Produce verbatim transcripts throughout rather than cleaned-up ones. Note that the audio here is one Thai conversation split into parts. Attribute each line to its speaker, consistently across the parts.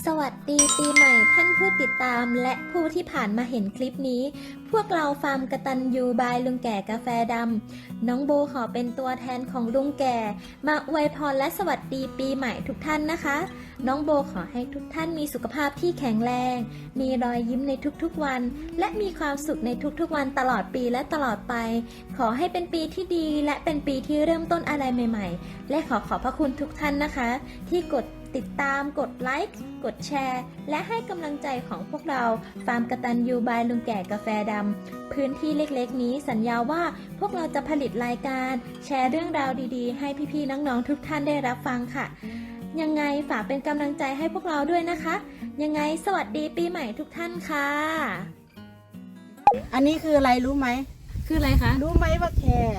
Speaker 1: สวัสดีปีใหม่ท่านผู้ติดตามและผู้ที่ผ่านมาเห็นคลิปนี้พวกเราฟาร์มกตัญญูบายลุงแก่กาแฟดำน้องโบขอเป็นตัวแทนของลุงแก่มาอวยพรและสวัสดีปีใหม่ทุกท่านนะคะน้องโบขอให้ทุกท่านมีสุขภาพที่แข็งแรงมีรอยยิ้มในทุกๆวันและมีความสุขในทุกๆวันตลอดปีและตลอดไปขอให้เป็นปีที่ดีและเป็นปีที่เริ่มต้นอะไรใหม่ๆและขอขอบพระคุณทุกท่านนะคะที่กดติดตามกดไลค์กดแชร์และให้กำลังใจของพวกเราฟาร์มกตัญญูบายลุงแก่กาแฟดำพื้นที่เล็กๆนี้สัญญาว่าพวกเราจะผลิตรายการแชร์เรื่องราวดีๆให้พี่ๆน้องๆทุกท่านได้รับฟังค่ะยังไงฝากเป็นกำลังใจให้พวกเราด้วยนะคะยังไงสวัสดีปีใหม่ทุกท่านค่ะ
Speaker 2: อันนี้คืออะไรรู้ไหม
Speaker 1: คืออะไรคะ
Speaker 2: รู้ไหมว่าแคร์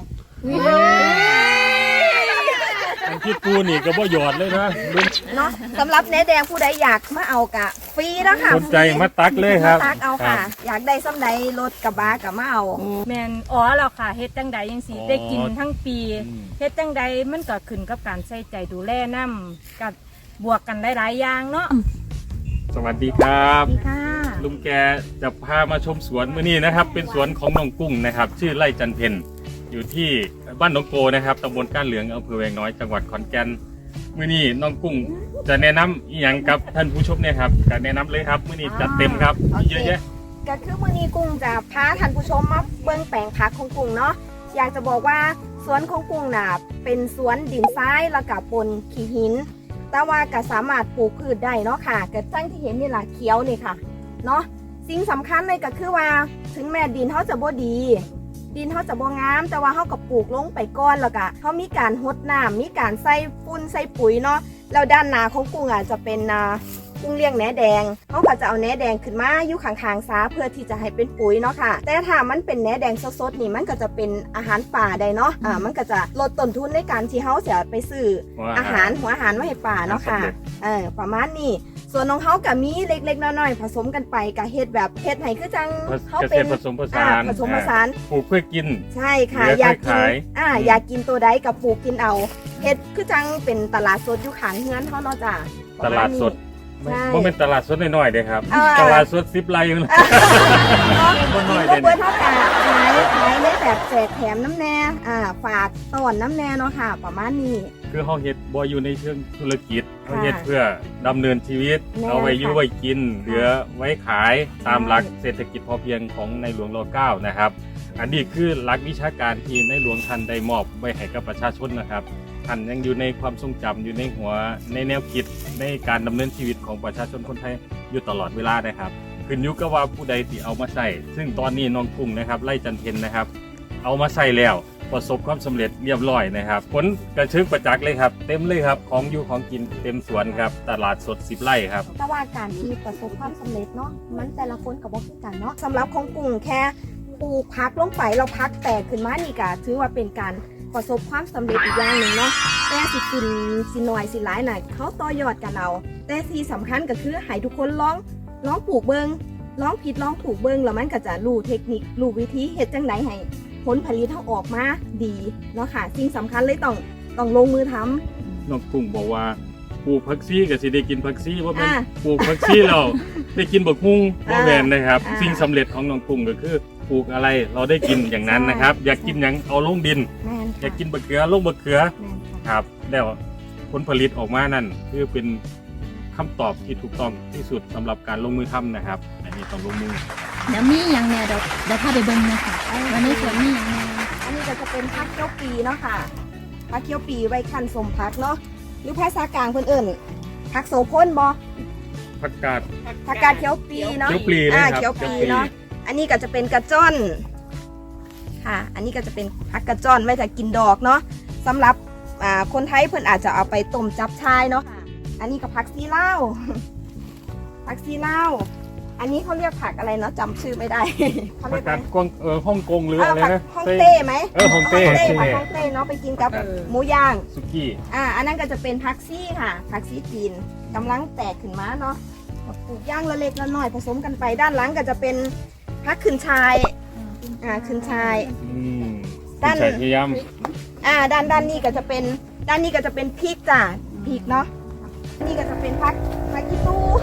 Speaker 3: อันที่ปูนี่ก็บ่หยอดเลยนะ
Speaker 2: เนาะสำหรับเนื้อแดงผู้ใดอยากมาเอากะฟรีนะค่ะ
Speaker 3: สนใจมาตักเลยครับ
Speaker 2: ตักเอาค่ะอยากได้ซ้ำใดรถกระบะกับมาเอา
Speaker 4: แมนอ๋อเราค่ะเฮ็ดจังใดยังสีได้กินทั้งปีเฮ็ดจังใดมันก็ขึ้นกับการใส่ใจดูแลน้ำกับบวกกันหลายๆอย่างเนาะ
Speaker 3: สวัสดีครับ
Speaker 2: สวัสดีค่ะ
Speaker 3: ลุงแกจะพามาชมสวนมื้อนี้นะครับเป็นสวนของน้องกุ้งนะครับชื่อไร่จันเพ็ญอยู่ที่บ้านหนองโกนะครับตำบลก้านเหลืองอำเภอแวงน้อยจังหวัดขอนแก่นมื้อนี้น้องกุ้งจะแนะนำอีหยังกับท่านผู้ชมเนี่ยครับจะแนะนำเลยครับมื้อนี้จัดเต็มครับมีเยอะแยะ
Speaker 2: ก็คือมื้อนี้กุ้งจะพาท่านผู้ชมมาเบิ่งแปลงผักของกุ้งเนาะอยากจะบอกว่าสวนของกุ้งน่ะเป็นสวนดินทรายแล้วก็ปนขี้หินแต่ว่าก็สามารถปลูกพืชได้เนาะค่ะก็จังที่เห็นนี่ล่ะเขียวนี่ค่ะเนาะสิ่งสำคัญเลยก็คือว่าถึงแม้ดินเขาจะบ่ดีดินเขาจะบ่งามแต่ว่าเขาก็ปลูกลงไปก้อนแล้วก็เขามีการหดน้ำมีการใส่ฝุ่นใส่ปุ๋ยเนาะแล้วด้านหน้าของกุ้งอ่ะจะเป็นกุ้งเลี้ยงแหนแดงเขาก็จะเอาแหนแดงขึ้นมาอยู่ข้างๆซาเพื่อที่จะให้เป็นปุ๋ยเนาะค่ะแต่ถ้ามันเป็นแหนแดงสดๆนี่มันก็จะเป็นอาหารป่าได้เนาะอ่ามันก็จะลดต้นทุนในการที่เขาจะไปซื้ออาหารหัวอาหารมาให้ป่าเนาะค่ะเออประมาณนี้ส่วนของเขากับมีเล็กๆน้อยๆผสมกันไปกับเฮ็ดแบบเฮ็ดไหนคือจัง
Speaker 3: เขาเป็นผสมผสาน
Speaker 2: ผสมผสาน
Speaker 3: ปลูกเพื่อกิน
Speaker 2: ใช่ค่ะอยากกินอ่าอยากกินตัวใดกับปลูกกินเอาเฮ็ดคือจังเป็นตลาดสดอยู่ข้างเฮือนเฮาเนาะจ้ะ
Speaker 3: ตลาดสดบ่เป็นตลาดสดน้อยๆเด้ครับตลาดสดสิบไร่อยู่นะ
Speaker 2: บ่น้อยเด้เพิ่นเฮาก็ขายขายในแบบแจกแถมน้ำแน่อ่าฝากต้อนน้ำแน่เนาะค่ะประมาณนี้
Speaker 3: คือเฮาเฮ็ดบ่อยู่ในเชิงธุรกิจเฮาเฮ็ดเพื่อดำเนินชีวิตเอาไว้อยู่ไว้กินเหลือไว้ขายตามหลักเศรษฐกิจพอเพียงของในหลวงร.เก้านะครับอันนี้คือหลักวิชาการที่ในหลวงท่านได้มอบไว้ให้กับประชาชนนะครับท่านยังอยู่ในความทรงจำอยู่ในหัวในแนวคิดในการดำเนินชีวิตของประชาชนคนไทยอยู่ตลอดเวลานะครับขึ้นอยู่กับว่าผู้ใดที่เอามาใส่ซึ่งตอนนี้น้องกุ้งนะครับไร่จันเพ็ญนะครับเอามาใส่แล้วประสบความสำเร็จเรียบร้อยนะครับผลกระชึกประจักษ์เลยครับเต็มเลยครับของอยู่ของกินเต็มสวนครับตลาดสดสิบไร่ครับ
Speaker 2: แต่ว่าการที่ประสบความสำเร็จเนาะมันแต่ละคนกับว่าคือกันเนาะสำหรับของกุ้งแค่ปลูกพักลงไปเราพักแตกขึ้นมานี่ก็ถือว่าเป็นการประสบความสำเร็จอีกอย่างหนึ่งเนาะแต่สิกินสิหน่อยสิหลายหน่อยเขาต่อยอดกันเอาแต่ที่สำคัญก็คือให้ทุกคนลองลองปลูกเบิงลองผิดลองถูกเบิงแล้วมันก็จะรู้เทคนิครู้วิธีเฮ็ดจังไดให้ผลผลิตเขาออกมาดีเนาะค่ะสิ่งสำคัญเลยต้องต้องลงมือทำ
Speaker 3: น้องกุ้งบอกว่าปลูกผักชีก็สิได้กินผักชีว่าเป็นปลูกผักชีเราได้กินบักฮุ้งว่าแม่นนะครับสิ่งสำเร็จของน้องกุ้งก็คือปลูกอะไรเราได้กินอย่างนั้นนะครับอยากกินอย่างเอาลงดินอยากกินบะเขือลงบะเขือครับแล้วผลผลิตออกมานั่นคือเป็นคำตอบที่ถูกต้องที่สุดสำหรับการลงมือทำนะครับอันนี้ต้องลงมือ
Speaker 1: เดี๋ยวมีอย่างเนี่ยเดี๋ยวเดี๋ยวพาไปเบิ่งนะคะวันนี้สวนมีอย่างเนี่ย
Speaker 2: อันนี้ก็จะเป็นผักเขียวปีเนาะค่ะผักเขียวปีไว้คั่นสมผักเนาะหรือภาษากลางเพิ่นเอิ้นผักโสพลบ่
Speaker 3: ผักกาด
Speaker 2: ผักกาดเขียวปีเนาะ
Speaker 3: เขียวปีอ่า
Speaker 2: เขียวปีเนาะอันนี้ก็จะเป็นกระจ้อนค่ะอันนี้ก็จะเป็นผักกระจ้อนไว้จะกินดอกเนาะสำหรับอ่าคนไทยเพิ่นอาจจะเอาไปต้มจับชายเนาะอันนี้ก็ผักซีลาวผักซีลาวอันนี้เขาเรียกผักอะไรเนาะจำชื่อไม่ได้
Speaker 3: เขาเรียกผักกวางเออฮ่องกงหรืออะไรนะ
Speaker 2: ฮ่องเต้ไหม
Speaker 3: เออฮ่องเต้
Speaker 2: ผักฮ่องเต้เนาะไปกินกับหมูย่าง
Speaker 3: สุกี้
Speaker 2: อ่าอันนั้นก็จะเป็นผักซี่ค่ะผักซี่จีนกำลังแตกขึ้นมาเนาะปลูกย่างละเล็กละน้อยผสมกันไปด้านหลังก็จะเป็นผักขึ้นชายอ่าขึ้นชาย
Speaker 3: ด้านพยายาม
Speaker 2: อ่าด้านด้านนี้ก็จะเป็นด้านนี้ก็จะเป็นพริกจ้ะพริกเนาะนี่ก็จะเป็นผักผักขี้ตู้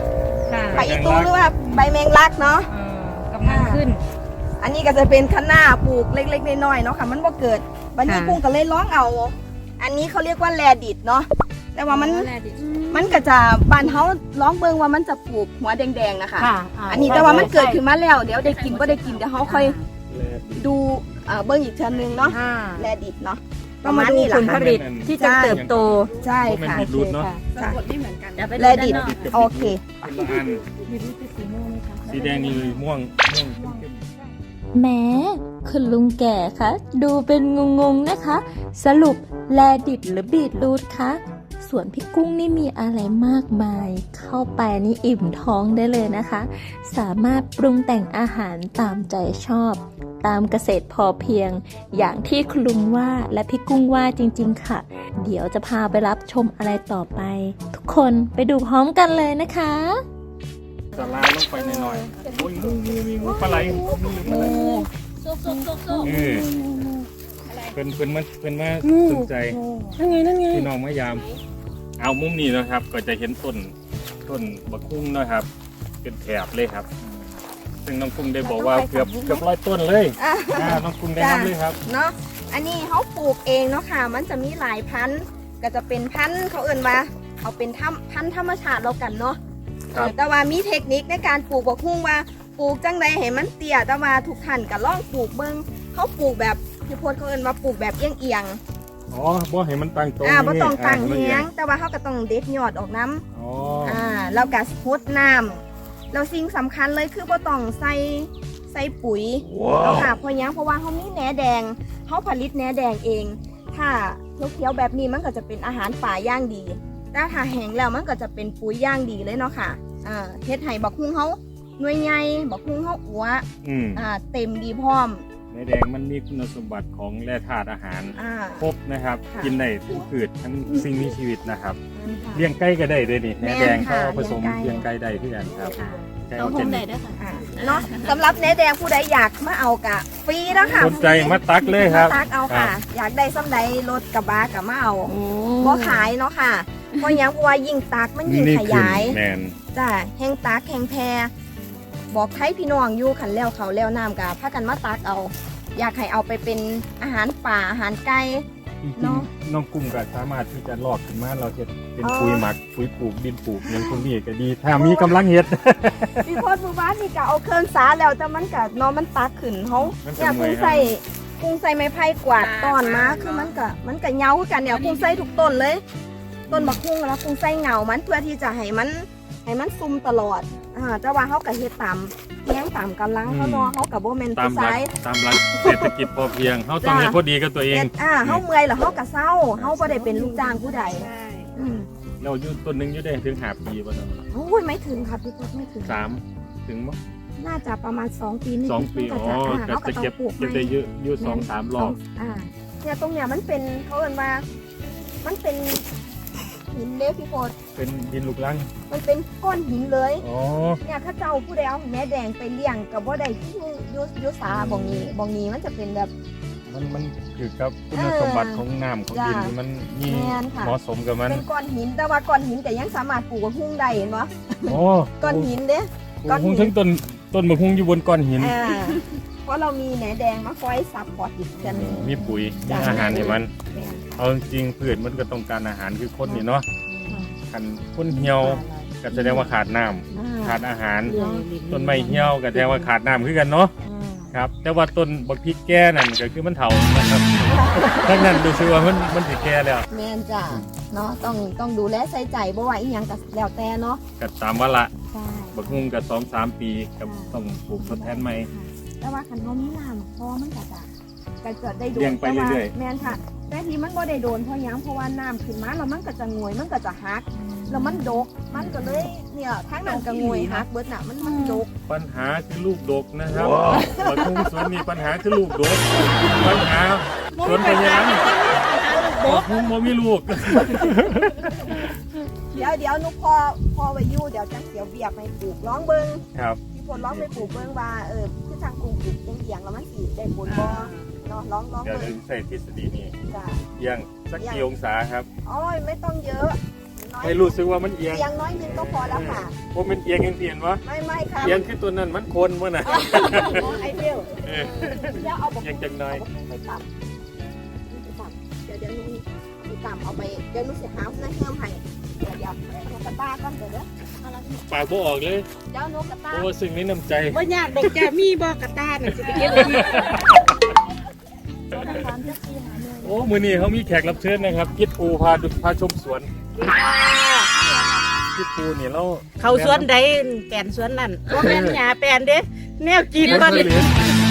Speaker 4: ค่ะ
Speaker 2: ผักอีตูหรือว่าใบแมงลักเนาะ
Speaker 4: เอ่อกำลังขึ้น
Speaker 2: อันนี้ก็จะเป็นคะน้าปลูกเล็กๆน้อยๆเนาะค่ะมันบ่เกิดวันนี้
Speaker 4: ค่ะ
Speaker 2: กุ้งก็เลยร้องเอา อันนี้เขาเรียกว่าแลดิดเนาะแต่ว่ามันมันก็จะบ้านเฮาร้องเบิ่งว่ามันจะปลูกหัวแดงๆนะคะ
Speaker 4: ค่ะ
Speaker 2: อันนี้แต่ว่ามันเกิดขึ้นมาแล้วเดี๋ยวได้กินบ่ได้กินเดี๋ยวเฮาค่อยดูเอ่อเบิ่งอีกเทื่อนึงเนาะ
Speaker 4: อ่า
Speaker 2: แลดิดเนาะป
Speaker 4: ก็
Speaker 2: ระ
Speaker 4: มา
Speaker 2: มาณ
Speaker 4: ดู
Speaker 2: นี้แห
Speaker 4: ผ
Speaker 2: ละ
Speaker 4: ลผ
Speaker 2: ค่ะ
Speaker 4: ลิตที่จะเติบโต
Speaker 2: ใช่
Speaker 3: เป็น
Speaker 2: ค่ะ
Speaker 3: บีทรูทเนาะ
Speaker 2: ค่ะ
Speaker 5: ไม่เหมือนกัน
Speaker 2: แลดิดโอเค
Speaker 3: คนละอันสีแดงนี่ม่วงม่วงเข้ม
Speaker 1: แหม้คุณลุงแก่คะ ดูเป็นงงๆนะคะ สรุปแลดิดหรือบีทรูทคะส่วนพี่กุ้งนี่มีอะไรมากมาย เข้าไปนี่อิ่มท้องได้เลยนะคะ สามารถปรุงแต่งอาหารตามใจชอบ ตามเกษตรพอเพียง อย่างที่คุณลุงว่าและพี่กุ้งว่าจริงๆค่ะ เดี๋ยวจะพาไปรับชมอะไรต่อไป ทุกคนไปดูพร้อมกันเลยนะคะ
Speaker 3: สลาลงไปหน่อยๆโอ้ยงูงูมีงูปลาไหลงูหรือปลาไหลเออเป็นเป็นมาเป็นมาสนใจ
Speaker 4: นั่นไงนั่นไง
Speaker 3: พี่น้องมายาม เอามุมนี้นะครับ ก็จะเห็นต้นต้นบักคุ้งนะครับ เป็นแถบเลยครับ ซึ่งน้องกุ้งได้บอกว่าเกือบเกือบร้อยต้นเลย
Speaker 2: อ่ะ
Speaker 3: อ่าน้องกุ้งได้นำเลยครับ
Speaker 2: เนาะอันนี้เขาปลูกเองเนาะค่ะ มันจะมีหลายพันธุ์ก็จะเป็นพันธุ์เขาเอื่นว่าเอาเป็นถ้ำพันธุ์ธรรมชาติเรากันเนาะ
Speaker 3: ครับ
Speaker 2: แต่ว่ามีเทคนิคในการปลูกบักฮุ่งว่าปลูกจังใดให้มันเตี้ยแต่ว่าทุกท่านก็ลองปลูกเบิ่งเขาปลูกแบบที่โพดเขาเอื่นว่าปลูกแบบเอียงเอียง
Speaker 3: อ๋อบ่ให้มันตั้งตรง
Speaker 2: ๆอ่าบ่ต้องตั้ง
Speaker 3: อ่า
Speaker 2: เฮียง แต่ว่าเขาก็ต้องเด็ดยอดออกน้
Speaker 3: อ๋อ
Speaker 2: ำอ่าแล้วก็พดน้ำแล้วสิ่งสำคัญเลยคือบ่ต้องใส่ใส่ปุ๋ย
Speaker 3: ว้า
Speaker 2: เอา
Speaker 3: ว
Speaker 2: ค่ะเพราะหยังเพราะว่าเขามีแหนแดงเขาผลิตแหนแดงเอง ถ้าเขียวๆแบบนี้มันก็จะเป็นอาหารป่าย่างดีแต่ถ้าแห้งแล้วมันก็จะเป็นปุ๋ยย่างดีเลยเนาะค่ะอ่าเฮ็ดให้บักฮุ่งเขาหน่วยใหญ่บักฮุ่งเขาอัว
Speaker 3: อืม
Speaker 2: อ่าเต็มดีพร้อม
Speaker 3: ในแดงมันมีคุณสมบัติของแร่ธาตุอาหาร
Speaker 2: อ่า
Speaker 3: ครบนะครับ
Speaker 2: ค่ะ
Speaker 3: กินได้ทั้งพืชทั้งสิ่งมีชีวิตนะครับ
Speaker 2: ค่ะ
Speaker 3: เลี้ยงไก่ก็ได้ด้วยนี่
Speaker 2: แม่
Speaker 3: แม่
Speaker 2: น
Speaker 3: แดง
Speaker 2: ค่ะ
Speaker 3: เขาผสม
Speaker 2: เลี้
Speaker 3: เลี้
Speaker 2: ย
Speaker 3: ย
Speaker 2: ง
Speaker 3: ง
Speaker 2: ไก่
Speaker 3: ไก่ได้ที่กันครับไก่
Speaker 1: ต้
Speaker 3: เอา
Speaker 1: อง
Speaker 3: เจน
Speaker 1: ได้ด้วยค่ะ
Speaker 2: อ่าเนาะสำหรับแหนแดงผู้ใดอยากมาเอากะฟรีแล้วค่ะ
Speaker 3: สนใจมาตักเลยครับ
Speaker 2: มาตักเอาค่ะ
Speaker 3: ครับ
Speaker 2: อยากได้ซ้ำใดรถกระบะกับมาเอาบ่ขายเนาะค่ะเพราะหยังเพราะว่ายิ่งตักมันยิ่ง
Speaker 3: นี่
Speaker 2: ข
Speaker 3: ขึ้น
Speaker 2: ยาย
Speaker 3: แมน
Speaker 2: จ้าแห้งตักแห้งแพรบอกไทยพี่น้องอยู่ขันแล้วเขาแล้วน้ำกับพากันมาตักเอา อยากให้เอาไปเป็นอาหารป่าอาหารไก่
Speaker 3: จริง
Speaker 2: เนาะ
Speaker 3: ๆน้องกุ้งก็สามารถที่จะลอกขึ้นมาเราจะเป็น
Speaker 2: อ๋อ
Speaker 3: ปุ๋ยหมักปุ๋ยปลูกดินปลูกอย่างพวกนี้ก็ดี ถ้ามีกำลังเฮ็ด
Speaker 2: พี่โพดมือบ้านนี่ก็เอาเครื่องสาแล้วแต่มันก็เนอมันตักขึ้นเขา
Speaker 3: มันจะ
Speaker 2: เนี่ย
Speaker 3: เมื่
Speaker 2: กุ้
Speaker 3: อย
Speaker 2: งใส่กุ้งใส่ไม้ไผ่กวาดตอนมาคือมันก็มันก็เหงาคือกันเนี่ยกุ้งใส่ทุกต้นเลย ต้นบักกุ้งแล้วกุ้งใส่เหงามันเพื่อที่จะให้มันให้มันซุ่มตลอดอ่าแต่ว่าเขาก็เฮ็ดตามเลี้ยงตามกำลังเขาเนาะเขากับโบแมน
Speaker 3: ตาม
Speaker 2: ผู้
Speaker 3: หลัก
Speaker 2: ชาย
Speaker 3: ตามหลักเศรษฐกิจพอเพียงเขาต้อง
Speaker 2: จ้ะ
Speaker 3: ให้พอดีกับตัวเอง
Speaker 2: เฮ็ดอ่าเขาเมื่อยแล้วเขาก็เศร้าเขาบ่ได้เป็นลูกจ้างผู้ใด
Speaker 5: ใช่
Speaker 2: อืม
Speaker 3: เราอยู่ต้นหนึงอยู่ได้ถึงห้าปีป่ะเนาะ
Speaker 2: โอ้ยไม่ถึงครับพี่พดไม่ถึง
Speaker 3: สามถึงมั้ง
Speaker 2: น่าจะประมาณสองปีนิดๆ
Speaker 3: สองปี
Speaker 2: มัน
Speaker 3: อ๋อ
Speaker 2: ก็จะอ่า
Speaker 3: ก็
Speaker 2: เขาก็
Speaker 3: จะ
Speaker 2: ต้อง
Speaker 3: เก็บ
Speaker 2: ปลูก
Speaker 3: เก็บ
Speaker 2: ใหม่
Speaker 3: ได้เยอะอยู่สองสามรอบ
Speaker 2: อ่าเนี่ยตรงเนี้ยมันเป็นเขาเรียกว่า มันเป็นหินเล็กพี่โพด
Speaker 3: เป็นดินลูกรัง
Speaker 2: มันเป็นก้อนหินเลย
Speaker 3: อ๋อ
Speaker 2: เนี่ยถ้าเจ้าผู้ใดเอาแม่แดงไปเลี้ยงกับว่าใดที่อยู่อยู่อยู่สาบองนี้บองนี้มันจะเป็นแบบ
Speaker 3: มันมันคือกับคุณ
Speaker 2: เออ
Speaker 3: สมบัติของน้ำของดิน
Speaker 2: จ้ะ
Speaker 3: ที่มันมี
Speaker 2: แม่นค่ะ
Speaker 3: เหมาะสมกับมัน
Speaker 2: เป็นก้อนหินแต่ว่าก้อนหินแต่ยังสามารถปลูกกับหุ้งได้เห็นปะ
Speaker 3: โอ้
Speaker 2: ก้อนหินเด้ ก้อนหิน
Speaker 3: หุ้งทั้งต้นต้นมะฮุ่งอยู่บนก้อนหิน
Speaker 2: อ่าเพราะเรามีแหนแดงมาคอยซับพอร์ตอีกกันหนึ่ง
Speaker 3: มีปุ๋ยมี
Speaker 2: จ้ะ
Speaker 3: อาหารให้มัน
Speaker 2: แม่น
Speaker 3: เอาจริงๆพืชมันก็ต้องการอาหารคือคนนี่เนาะคันคนเหี่ยวก็แสดงว่าขาดน้ำ
Speaker 2: อ่า
Speaker 3: ขาดอาหาร ต้นไม้เหี่ยวก็แสดงว่าขาดน้ำคือกันเนาะครับ แต่ว่าต้นบักพริกแก่นั่นก็คือมันเถานะครับทั้งนั้นดูซิว่ามันมันสิแก่แล้ว
Speaker 2: แม่นจ้ะเนาะต้องต้องดูแลใส่ใจบ่ว่าอีหยังก็แล้วแต่เนาะ
Speaker 3: ก็ตามว่าละ
Speaker 2: ใช่
Speaker 3: บักฮุ่งก็สองสามปีก็ต้องปลูกทดแทนใหม่
Speaker 2: แต่ว่าคันเขามีน้ำพอมันก็จะก็จะได้โด
Speaker 3: เลี้ย
Speaker 2: น
Speaker 3: งไป
Speaker 2: แต่ว่า
Speaker 3: เรื่อย
Speaker 2: แม่นค่ะ แต่ทีมันบ่ได้โดนเพราะหยังเพราะว่าน้ำขึ้นมาแล้วมันก็จะงวยมันก็จะหักแล้วมันดกมันก็เลยเนี่ยทั้งนั้นก็งวยหักเบิดน่ะมันมันดก
Speaker 3: ปัญหาคือลูกดกนะครับบักฮุ่งสวนนี่ปัญหาคือลูกดก ปัญหาสวนเป็นยังไงบักฮุ่งบ่มีลูก
Speaker 2: เดี๋ยวเดี๋ยวนุกพอพอไว้อยู่เดี๋ยวจังเสียวเบียบให้ปลูกร้องเบิ่ง
Speaker 3: ครับ
Speaker 2: พี่พลร้องไปปลูกเบิ่งว่าเออคือทางกรุงปลูกเอียงๆแล้วมันสิได้ผลบ่เนาะร้องร้อง
Speaker 3: เดี๋ยว
Speaker 2: เบิ่
Speaker 3: จะ
Speaker 2: ง
Speaker 3: ใส่ทฤษฎีนี้
Speaker 2: จ้ะ
Speaker 3: เอียงสักกี่องศาครับ
Speaker 2: โอ้ยไม่ต้องเยอะน้
Speaker 3: ให้รู้สึกว่ามันเอียง
Speaker 2: เอียงน้อยนึงก็พอแล้วค่ะ
Speaker 3: เพราะมันเอียงยังเปลี่ยนวะ
Speaker 2: ไม่ไม่ค่ะ
Speaker 3: เอียงคือตัวนั้นมันโคนมั้งนะ
Speaker 2: ไอเดียว
Speaker 3: เออ
Speaker 2: เดี๋ยวเอาบอก
Speaker 3: เอียงจังหน่อย
Speaker 2: ไปต่ำไปต่ำเดี๋ยวเดี๋ยวนู้นไปต่ำเอาไปเดี๋ยวนู้นเสียหาหน้าเฮือมให้เดี๋ยวเดี๋ยวเอากระตาก่อนเดี๋ยวเดี๋ยวเอาละนี่
Speaker 3: ปากบ่ออกเลย
Speaker 2: เดี๋ยวนู้นกระตา
Speaker 3: โอ้สิ่งนี้น้ำใจ
Speaker 2: ว่ายากดอกจ้ามีบ่กระตาน่ะสิไปเก็บเลย
Speaker 3: โอ้มือนี้เขามีแขกรับเชิญนะครับกิดปูพาดูพาชมสวนกิดปูเนี่ยเรา
Speaker 5: เขาสวนใดแปลนสวนนั่นว่าแม่นหญ้าแปลนเด้แนวกิน
Speaker 3: เลี้ยง
Speaker 5: บ่
Speaker 3: เลี้
Speaker 5: ได้
Speaker 3: ยง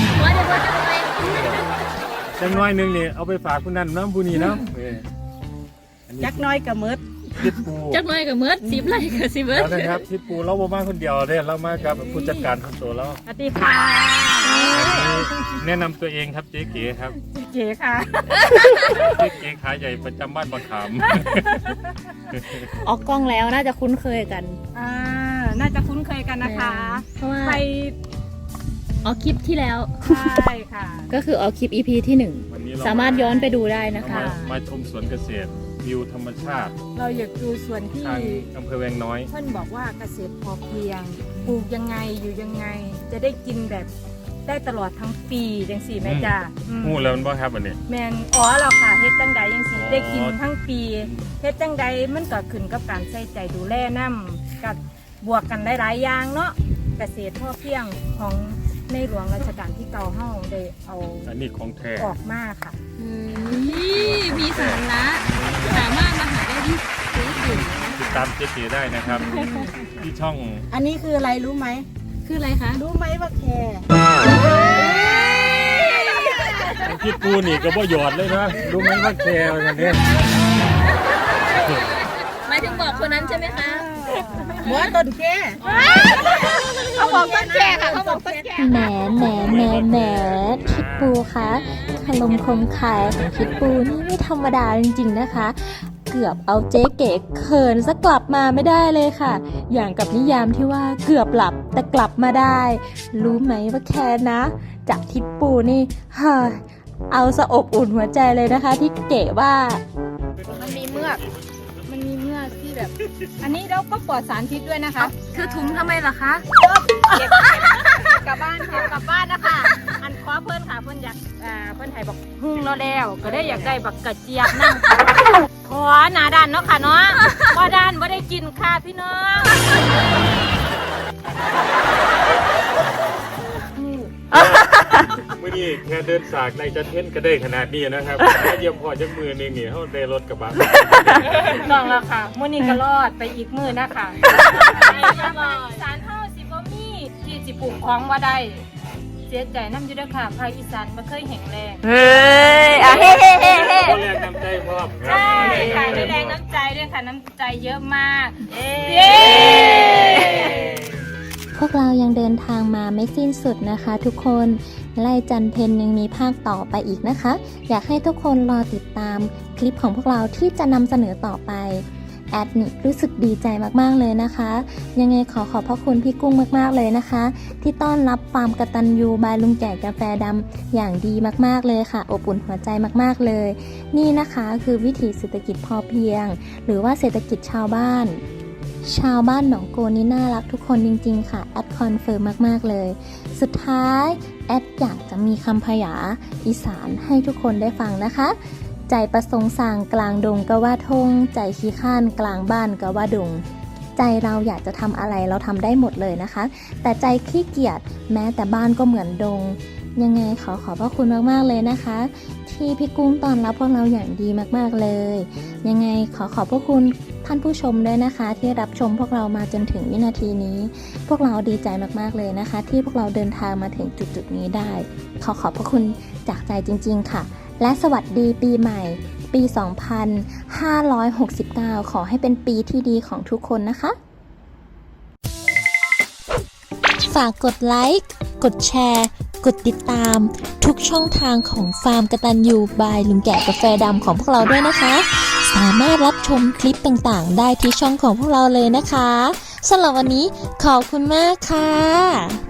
Speaker 3: จังน้อยหนึงนี่เอาไปฝากคุณนั่นน้ำปูนี่น้ำเอออันนี้
Speaker 5: จักหน้อยก็หมด
Speaker 3: กิดปู
Speaker 1: จักหน่อยกับเมิดสิบไร่กับสิบเมิด
Speaker 3: แล้วนะครับกิดปูเราบ่มาคนเดียวเด้เรามากับผู้จัดการของตัวเรา
Speaker 4: สวัสดีค่ะ
Speaker 3: แนะนำตัวเองครับเจ๊เก๋ครับ
Speaker 4: เก๋ค่ะ
Speaker 3: เจ๊เก๋ขาใหญ่ประจำบ้านบางขาม
Speaker 5: ออกกล้องแล้วน่าจะคุ้นเคยกัน
Speaker 4: อ่าน่าจะคุ้นเคยกันนะคะ
Speaker 1: เพราะว่า
Speaker 4: ใคร
Speaker 1: ออกคลิปที่แล้ว
Speaker 4: ใช่ค่ะ
Speaker 5: ก็คือออกคลิป อี พี ที่หนึ่ง
Speaker 3: วันนี้เ
Speaker 5: สามารถย้อนไปดูได้นะ
Speaker 3: เรา
Speaker 5: คะ
Speaker 3: มามาชมสวนเกษตรวิวธรรมชาติ
Speaker 4: เราอยากดูส่วนที่
Speaker 3: ทางอำเภอแวงน้อย
Speaker 4: เพื่อนบอกว่าเกษตรพอเพียงปลูกยังไงอยู่ยังไง จะได้กินแบบได้ตลอดทั้งปีจังสี่แม่จ้าอืม
Speaker 3: หูแล้วมันบ่ครับอันนี้
Speaker 4: แมนอ๋อเราค่ะเฮ็ดจังใดยังสี่
Speaker 3: อ๋อ
Speaker 4: ได้กินทั้งปีเฮ็ดจังใดมันก็ขึ้นกับการใส่ใจดูแลน้ำกับบวกกันหลายๆอย่างเนาะเกษตรพอเพียงของในหลวงรัชกาลที่เก้าเฮาได้เอา
Speaker 3: อันนี้ของแท้
Speaker 4: ออกมาค่ะ
Speaker 1: มีสาระสามารถมาหาได้ที่ซื้อถึง
Speaker 3: ติดตามเจ๊เก๋ได้นะครับ ที่ช่อง
Speaker 5: อันนี้คืออะไรรู้ไหม
Speaker 1: คืออะไรคะ
Speaker 5: รู้ไหมว่าแคร์
Speaker 3: คิดปูนี่ก็บ่หยอดเลยนะรู้ไหมว่าแคร์กันเนี่ย
Speaker 1: หมายถึงบอกคนนั้นใช่ไหมคะ
Speaker 5: หัวต้นแค่
Speaker 2: เขาบอกต้นแก่ค่ะเขาบอกต้นแก่
Speaker 1: แหมแหมแหมแหมคิดปูคะคารมคมคายของคิดปูนี่ไม่ธรรมดาจริงๆนะคะ เกือบเอาเจ๊เก๋เขินซะกลับมาไม่ได้เลยค่ะ อย่างกับนิยามที่ว่าเกือบหลับแต่กลับมาได้ รู้ไหมว่าแค่นะ จากทิดปูนี่เฮ้ยเอาสะอบอุ่นหัวใจเลยนะคะ ที่เก๋ว่า
Speaker 2: มันมีเมือก
Speaker 4: มันมีเมื่อกที่แบบ อันนี้เราก็ปลอดสารพิษด้วยนะคะ
Speaker 1: คือถุงทำไมล่ะคะ
Speaker 4: เก็บกลับบ้านค่ะกลับบ้านนะคะ อันคว้าเพื่อนค่ะเพื่อนอยากอ่าเพื่อนไทยบอกหุ่งเราแล้วก็ได้อยากได้บักกระเจี๊ยบนั่งขอหนาด้านเนาะค่ะเนาะว่าด้านว่าได้กินค่ะพี่น้อง
Speaker 3: เมื่อนี้แค่เดินสากในจะเท่นก็ได้ขนาดนี้นะครับแค่เยี่ยมพอจักมือหนึงนี่เขาได้รถกระบะ
Speaker 4: ต้องแล้วค่ะมื่อนี้ก็รอดไปอีกมือนะคะอีสานเฮาสิบ่มีที่สิปลูกของว่าได้เสียใจน้ำอยู่ด้วยค่ะภาคอีสานบ่เคยแห้งแรง
Speaker 5: เฮ้ยอ่ะเฮ้เฮ้เฮ้เฮ้
Speaker 3: คนแรกนำใจพร้อมครั
Speaker 4: ใช่
Speaker 3: บ
Speaker 4: ค่ะได้แรงน้ำใจด้วยค่ะน้ำใจเยอะมาก
Speaker 5: เย้
Speaker 4: เย้
Speaker 1: พวกเรายังเดินทางมาไม่สิ้นสุดนะคะทุกคนไล่จันเพนยังมีภาคต่อไปอีกนะคะ อยากให้ทุกคนรอติดตามคลิปของพวกเราที่จะนำเสนอต่อไปแอดนี่รู้สึกดีใจมากๆเลยนะคะ ยังไงขอขอบพระคุณพี่กุ้งมากๆเลยนะคะ ที่ต้อนรับฟาร์มกตัญญูบายลุงแก่กาแฟดำอย่างดีมากๆเลยค่ะอบอุ่นหัวใจมากๆเลย นี่นะคะคือวิถีเศรษฐกิจพอเพียง หรือว่าเศรษฐกิจชาวบ้าน ชาวบ้านหนองโกนี่น่ารักทุกคนจริงๆค่ะแอดคอนเฟิร์มมากๆเลย สุดท้ายแอดอยากจะมีคำพยาอีสานให้ทุกคนได้ฟังนะคะ ใจประสงค์สั่งกลางดงก็ว่าทงใจขี้ข้านกลางบ้านก็ว่าดง ใจเราอยากจะทำอะไรเราทำได้หมดเลยนะคะ แต่ใจขี้เกียจแม้แต่บ้านก็เหมือนดง ยังไงขอขอบพระคุณมากๆเลยนะคะ ที่พี่กุ้งต้อนรับพวกเราอย่างดีมากๆเลย ยังไงขอขอบพระคุณท่านผู้ชมด้วยนะคะ ที่รับชมพวกเรามาจนถึงวินาทีนี้ พวกเราดีใจมากๆเลยนะคะ ที่พวกเราเดินทางมาถึงจุดๆนี้ได้ ขอขอบพระคุณจากใจจริงๆค่ะ และสวัสดีปีใหม่ ปี สองพันห้าร้อยหกสิบเก้า ขอให้เป็นปีที่ดีของทุกคนนะคะ ฝากกดไลค์ กดแชร์ กดติดตาม ทุกช่องทางของฟาร์มกตัญญูบายลุงแก่กาแฟดำของพวกเราด้วยนะคะ สามารถรับชมคลิปต่างๆ ได้ที่ช่องของพวกเราเลยนะคะสำหรับวันนี้ขอบคุณมากค่ะ